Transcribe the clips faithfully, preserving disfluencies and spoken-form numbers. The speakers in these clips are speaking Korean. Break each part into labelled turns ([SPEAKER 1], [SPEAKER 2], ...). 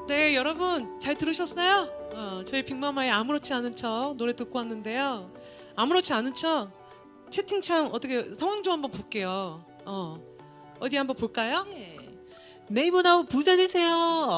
[SPEAKER 1] 네, 여러분 잘 들으셨어요? 어, 저희 빅마마의 아무렇지 않은 척 노래 듣고 왔는데요. 아무렇지 않은 척 채팅창 어떻게 상황 좀 한번 볼게요. 어, 어디 한번 볼까요?
[SPEAKER 2] 네. 네이버 나우 부자 되세요.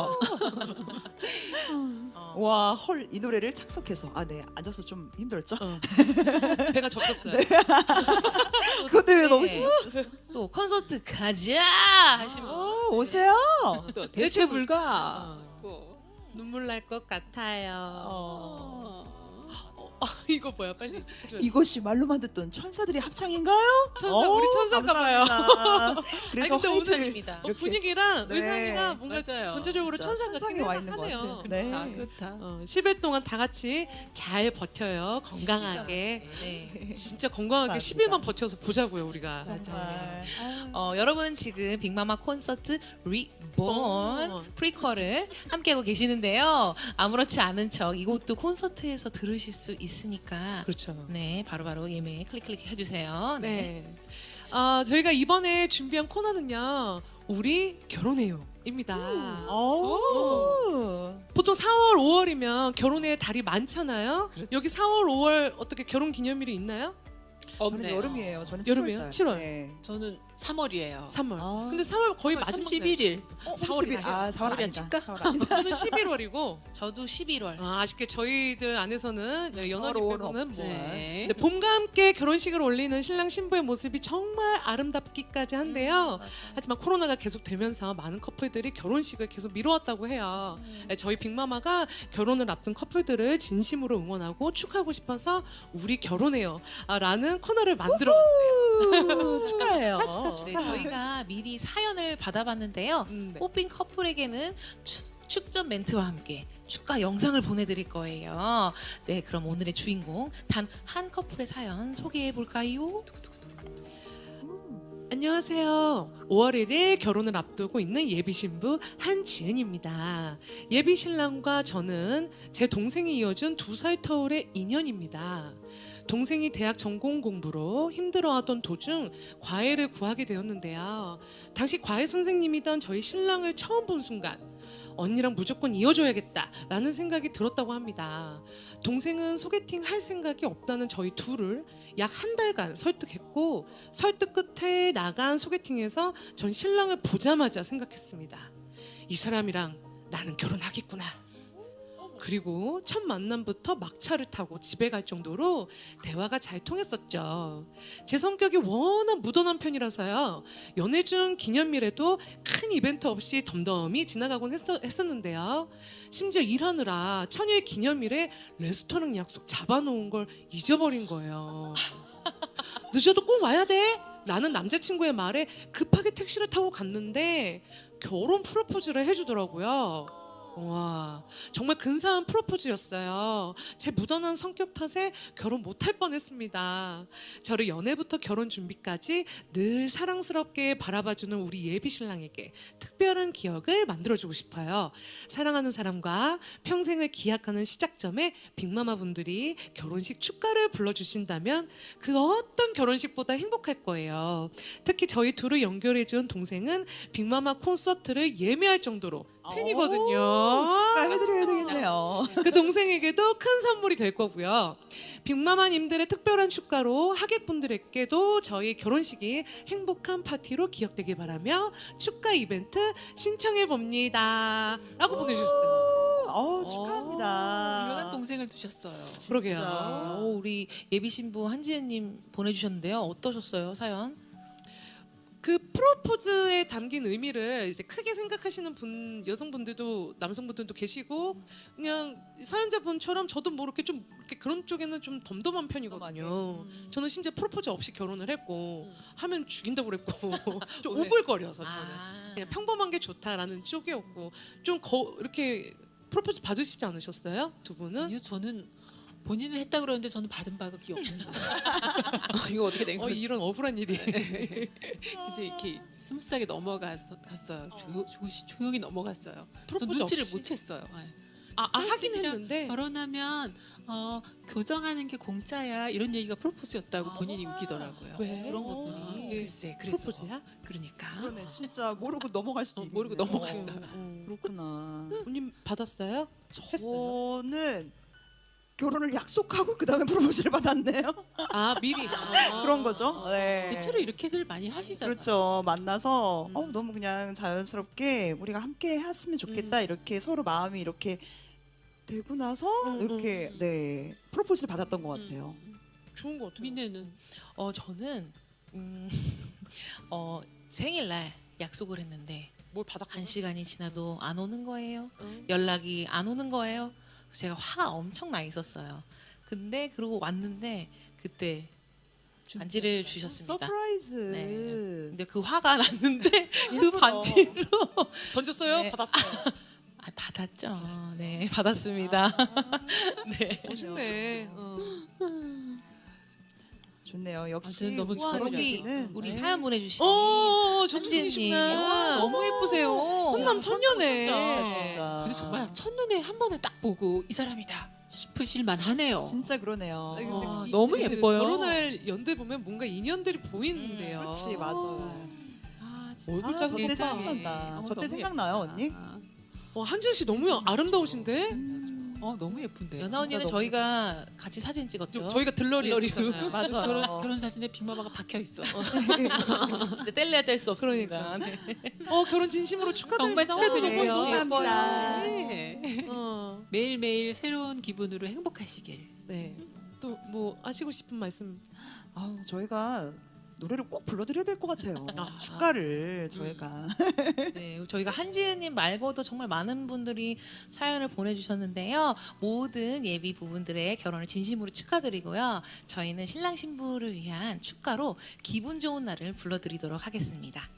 [SPEAKER 1] 어,
[SPEAKER 3] 와, 헐, 이 노래를 착석해서 아, 네, 앉아서 좀 힘들었죠?
[SPEAKER 1] 어. 배가 적혔어요.
[SPEAKER 3] 그것 때문에 너무
[SPEAKER 2] 네.
[SPEAKER 3] 심해.
[SPEAKER 2] 또 콘서트 가자 하시면
[SPEAKER 3] 어, 오세요.
[SPEAKER 2] 또 대체 불가.
[SPEAKER 1] 어, 눈물 날 것 같아요.
[SPEAKER 3] 어.
[SPEAKER 1] 아, 이거 뭐야? 빨리 해줘야 돼.
[SPEAKER 3] 이것이 말로만 듣던 천사들의 합창인가요?
[SPEAKER 1] 천사,
[SPEAKER 3] 어,
[SPEAKER 1] 우리 천사인가 봐요.
[SPEAKER 3] 감사합니다. 그래서
[SPEAKER 1] 아니, 근데 오늘
[SPEAKER 2] 천사입니다.
[SPEAKER 1] 어,
[SPEAKER 3] 이렇게.
[SPEAKER 1] 분위기랑
[SPEAKER 3] 네.
[SPEAKER 1] 의상이가 뭔가
[SPEAKER 2] 맞아요.
[SPEAKER 1] 전체적으로
[SPEAKER 3] 진짜
[SPEAKER 1] 천사 같긴
[SPEAKER 3] 천상에 와 있는 것
[SPEAKER 1] 하네요.
[SPEAKER 3] 같아요. 네.
[SPEAKER 2] 아, 그렇다.
[SPEAKER 1] 어, 십 일 동안 다 같이 잘 버텨요. 건강하게.
[SPEAKER 2] 네.
[SPEAKER 1] 진짜 건강하게
[SPEAKER 3] 감사합니다.
[SPEAKER 1] 십 일만 버텨서 보자고요, 우리가.
[SPEAKER 3] 정말.
[SPEAKER 2] 어, 여러분은 지금 빅마마 콘서트 리본
[SPEAKER 1] 어.
[SPEAKER 2] 프리퀄을 함께하고 계시는데요. 아무렇지 않은 척 이것도 콘서트에서 들으실 수 있으니까
[SPEAKER 1] 그렇죠.
[SPEAKER 2] 네 바로바로 예매 클릭 클릭 해주세요. 네.
[SPEAKER 1] 네. 어, 저희가 이번에 준비한 코너는요. 우리 결혼해요. 입니다.
[SPEAKER 3] 오.
[SPEAKER 1] 보통 사월, 오월이면 결혼의 달이 많잖아요. 여기 사월, 오월 어떻게 결혼 기념일이 있나요?
[SPEAKER 3] 저는
[SPEAKER 4] 없네요.
[SPEAKER 3] 여름이에요. 저는
[SPEAKER 1] 여름이에요?
[SPEAKER 3] 칠월.
[SPEAKER 1] 칠월.
[SPEAKER 3] 네.
[SPEAKER 4] 저는 삼월이에요.
[SPEAKER 1] 삼월.
[SPEAKER 3] 아.
[SPEAKER 1] 근데 삼월 거의 마지막
[SPEAKER 4] 삼십일 일.
[SPEAKER 3] 어,
[SPEAKER 1] 사월이라
[SPEAKER 3] 삼십 일. 아, 사월
[SPEAKER 4] 사월이야,
[SPEAKER 3] 아니다.
[SPEAKER 4] 칠까?
[SPEAKER 3] 사월 아니다.
[SPEAKER 1] 저는 십일월이고
[SPEAKER 2] 저도 십일월.
[SPEAKER 1] 아, 아쉽게 저희들 안에서는 연월이
[SPEAKER 3] 서로는
[SPEAKER 1] 빼고는
[SPEAKER 3] 없지.
[SPEAKER 1] 뭐.
[SPEAKER 4] 네.
[SPEAKER 1] 근데 봄과 함께 결혼식을 올리는 신랑 신부의 모습이 정말 아름답기까지 한데요. 하지만 코로나가 계속 되면서 많은 커플들이 결혼식을 계속 미뤄왔다고 해요. 네, 저희 빅마마가 결혼을 앞둔 커플들을 진심으로 응원하고 축하하고 싶어서 우리 결혼해요 아, 라는 코너를 만들어봤어요.
[SPEAKER 3] 우, 축하해요.
[SPEAKER 2] 축하, 축하, 네, 저희가 미리 사연을 받아봤는데요.
[SPEAKER 1] 음, 네.
[SPEAKER 2] 뽑힌 커플에게는 축, 축전 멘트와 함께 축하 영상을 보내드릴 거예요. 네, 그럼 오늘의 주인공 단 한 커플의 사연 소개해 볼까요?
[SPEAKER 1] 안녕하세요. 오월 일일 결혼을 앞두고 있는 예비 신부 한지은입니다. 예비 신랑과 저는 제 동생이 이어준 두 살 터울의 인연입니다. 동생이 대학 전공 공부로 힘들어하던 도중 과외를 구하게 되었는데요. 당시 과외 선생님이던 저희 신랑을 처음 본 순간 언니랑 무조건 이어줘야겠다라는 생각이 들었다고 합니다. 동생은 소개팅 할 생각이 없다는 저희 둘을 약 한 달간 설득했고 설득 끝에 나간 소개팅에서 전 신랑을 보자마자 생각했습니다. 이 사람이랑 나는 결혼하겠구나. 그리고 첫 만남부터 막차를 타고 집에 갈 정도로 대화가 잘 통했었죠. 제 성격이 워낙 무던한 편이라서요. 연애 중 기념일에도 큰 이벤트 없이 덤덤히 지나가곤 했었, 했었는데요. 심지어 일하느라 천일 기념일에 레스토랑 약속 잡아놓은 걸 잊어버린 거예요. 늦어도 꼭 와야 돼! 라는 남자친구의 말에 급하게 택시를 타고 갔는데 결혼 프로포즈를 해주더라고요. 와, 정말 근사한 프로포즈였어요. 제 무던한 성격 탓에 결혼 못할 뻔했습니다. 저를 연애부터 결혼 준비까지 늘 사랑스럽게 바라봐주는 우리 예비 신랑에게 특별한 기억을 만들어주고 싶어요. 사랑하는 사람과 평생을 기약하는 시작점에 빅마마 분들이 결혼식 축가를 불러주신다면 그 어떤 결혼식보다 행복할 거예요. 특히 저희 둘을 연결해준 동생은 빅마마 콘서트를 예매할 정도로 팬이거든요.
[SPEAKER 3] 축하해드려야 되겠네요.
[SPEAKER 1] 그 동생에게도 큰 선물이 될 거고요. 빅마마님들의 특별한 축가로 하객분들에게도 저희 결혼식이 행복한 파티로 기억되길 바라며 축가 이벤트 신청해 봅니다. 라고 보내주셨어요.
[SPEAKER 3] 어, 축하합니다.
[SPEAKER 4] 유명한 동생을 두셨어요.
[SPEAKER 1] 그러게요.
[SPEAKER 3] 진짜.
[SPEAKER 2] 오, 우리 예비 신부 한지은님 보내주셨는데요. 어떠셨어요 사연?
[SPEAKER 1] 그 프로포즈에 담긴 의미를 이제 크게 생각하시는 분 여성분들도 남성분들도 계시고 그냥 사연자분처럼 저도 뭐 이렇게 좀 이렇게 그런 쪽에는 좀 덤덤한 편이거든요.
[SPEAKER 3] 음.
[SPEAKER 1] 저는 심지어 프로포즈 없이 결혼을 했고
[SPEAKER 4] 음.
[SPEAKER 1] 하면 죽인다고 그랬고 좀
[SPEAKER 4] 왜?
[SPEAKER 1] 오글거려서 저는
[SPEAKER 2] 아,
[SPEAKER 1] 그냥 평범한 게 좋다라는 쪽이었고 좀 거, 이렇게 프로포즈 받으시지 않으셨어요? 두 분은?
[SPEAKER 4] 아니요, 저는 본인은 했다 그러는데 저는 받은 바가 기억 없는 거예요. 어, 이거 어떻게 된
[SPEAKER 1] 어,
[SPEAKER 4] 거지?
[SPEAKER 1] 이런 억울한 일이.
[SPEAKER 4] 이제 이렇게 스무스하게 넘어갔어요. 조, 조시 조용히 넘어갔어요. 저
[SPEAKER 1] 프로포즈
[SPEAKER 4] 눈치를
[SPEAKER 1] 없이?
[SPEAKER 4] 못 챘어요. 네.
[SPEAKER 1] 아, 아 하긴
[SPEAKER 4] 선생님이랑
[SPEAKER 1] 했는데
[SPEAKER 4] 결혼하면 어, 교정하는 게 공짜야 이런 얘기가 프로포즈였다고 본인이 웃기더라고요.
[SPEAKER 1] 왜?
[SPEAKER 2] 그런 것들이
[SPEAKER 1] 이게
[SPEAKER 4] 글쎄, 그래서
[SPEAKER 1] 프로포즈야?
[SPEAKER 4] 그러니까
[SPEAKER 3] 그러네. 진짜 모르고 넘어갈 수도
[SPEAKER 4] 어,
[SPEAKER 3] 있네.
[SPEAKER 4] 모르고 넘어갔어.
[SPEAKER 1] 어.
[SPEAKER 3] 그렇구나.
[SPEAKER 1] 언니 받았어요? 했어요?
[SPEAKER 3] 저는 결혼을 약속하고 그 다음에 프로포즈를 받았네요.
[SPEAKER 1] 아 미리. 아.
[SPEAKER 3] 그런 거죠. 네.
[SPEAKER 4] 대체로 이렇게들 많이 하시잖아요.
[SPEAKER 3] 그렇죠. 만나서
[SPEAKER 1] 음.
[SPEAKER 3] 어, 너무 그냥 자연스럽게 우리가 함께 했으면 좋겠다. 이렇게 서로 마음이 이렇게 되고 나서
[SPEAKER 1] 음,
[SPEAKER 3] 이렇게
[SPEAKER 4] 음.
[SPEAKER 3] 네 프로포즈를 받았던 것 같아요.
[SPEAKER 4] 음.
[SPEAKER 1] 좋은 것 같아요.
[SPEAKER 4] 민혜는
[SPEAKER 2] 어 저는 음, 어 생일날 약속을 했는데
[SPEAKER 1] 뭘 받았고?
[SPEAKER 2] 한 시간이 지나도 안 오는 거예요.
[SPEAKER 1] 응.
[SPEAKER 2] 연락이 안 오는 거예요. 그래서 제가 화가 엄청 나 있었어요. 근데 그러고 왔는데 그때 반지를 주셨습니다.
[SPEAKER 3] 서프라이즈.
[SPEAKER 2] 네. 근데 그 화가 났는데 그
[SPEAKER 3] 예쁘다.
[SPEAKER 2] 반지로
[SPEAKER 1] 던졌어요?
[SPEAKER 2] 네.
[SPEAKER 1] 받았어요.
[SPEAKER 2] 아, 받았죠. 네, 받았습니다.
[SPEAKER 3] 아,
[SPEAKER 2] 네.
[SPEAKER 1] 멋있네. 어.
[SPEAKER 3] 좋네요. 역시
[SPEAKER 4] 아무튼 너무
[SPEAKER 2] 와,
[SPEAKER 3] 저런
[SPEAKER 2] 여기
[SPEAKER 3] 얘기는,
[SPEAKER 2] 우리
[SPEAKER 3] 네.
[SPEAKER 2] 사연 보내주신
[SPEAKER 1] 어,
[SPEAKER 2] 한지은님.
[SPEAKER 1] 전통이시구나.
[SPEAKER 2] 너무 예쁘세요.
[SPEAKER 1] 선남 선녀네.
[SPEAKER 2] 진짜.
[SPEAKER 3] 진짜.
[SPEAKER 4] 근데 정말 첫눈에 한 번에 딱 보고 이 사람이다 싶으실 만하네요.
[SPEAKER 3] 진짜 그러네요.
[SPEAKER 1] 아니, 근데
[SPEAKER 4] 와,
[SPEAKER 1] 이-
[SPEAKER 4] 너무
[SPEAKER 1] 그
[SPEAKER 4] 예뻐요.
[SPEAKER 1] 결혼할 연대 보면 뭔가 인연들이 보이는데요.
[SPEAKER 3] 그렇지 맞아요.
[SPEAKER 2] 아, 진짜.
[SPEAKER 1] 얼굴
[SPEAKER 3] 아,
[SPEAKER 1] 짜서
[SPEAKER 3] 저때
[SPEAKER 4] 세상에.
[SPEAKER 3] 생각난다.
[SPEAKER 4] 어,
[SPEAKER 3] 저때
[SPEAKER 4] 너무
[SPEAKER 3] 생각나요
[SPEAKER 4] 예쁘다.
[SPEAKER 3] 언니?
[SPEAKER 1] 어, 한지은 씨 너무 아름다우신데?
[SPEAKER 4] 어 너무 예쁜데.
[SPEAKER 2] 연아 언니는
[SPEAKER 3] 너무
[SPEAKER 2] 저희가 같이 사진 찍었죠.
[SPEAKER 1] 저, 저희가 들러리
[SPEAKER 2] 들러리로.
[SPEAKER 1] 했잖아요.
[SPEAKER 3] 맞아요.
[SPEAKER 4] 결혼 결혼 사진에 빅마마가 박혀 있어.
[SPEAKER 2] 진짜 뗄래야 뗄 수 없습니다.
[SPEAKER 1] 그러니까.
[SPEAKER 2] 네.
[SPEAKER 1] 어, 결혼 진심으로 축하드립니다.
[SPEAKER 4] 정말 축하드리고요.
[SPEAKER 3] 네, 축하합니다.
[SPEAKER 4] 네.
[SPEAKER 1] 어,
[SPEAKER 4] 매일 매일 새로운 기분으로 행복하시길.
[SPEAKER 1] 네. 또 뭐 하시고 싶은 말씀?
[SPEAKER 3] 아우 저희가 노래를 꼭 불러드려야 될 것 같아요.
[SPEAKER 1] 아.
[SPEAKER 3] 축가를 저희가
[SPEAKER 2] 네, 저희가 한지은님 말고도 정말 많은 분들이 사연을 보내주셨는데요. 모든 예비 부부들의 결혼을 진심으로 축하드리고요. 저희는 신랑 신부를 위한 축가로 기분 좋은 날을 불러드리도록 하겠습니다.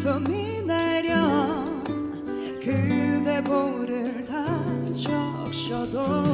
[SPEAKER 3] 봄이 내려 그대 볼을 다 적셔도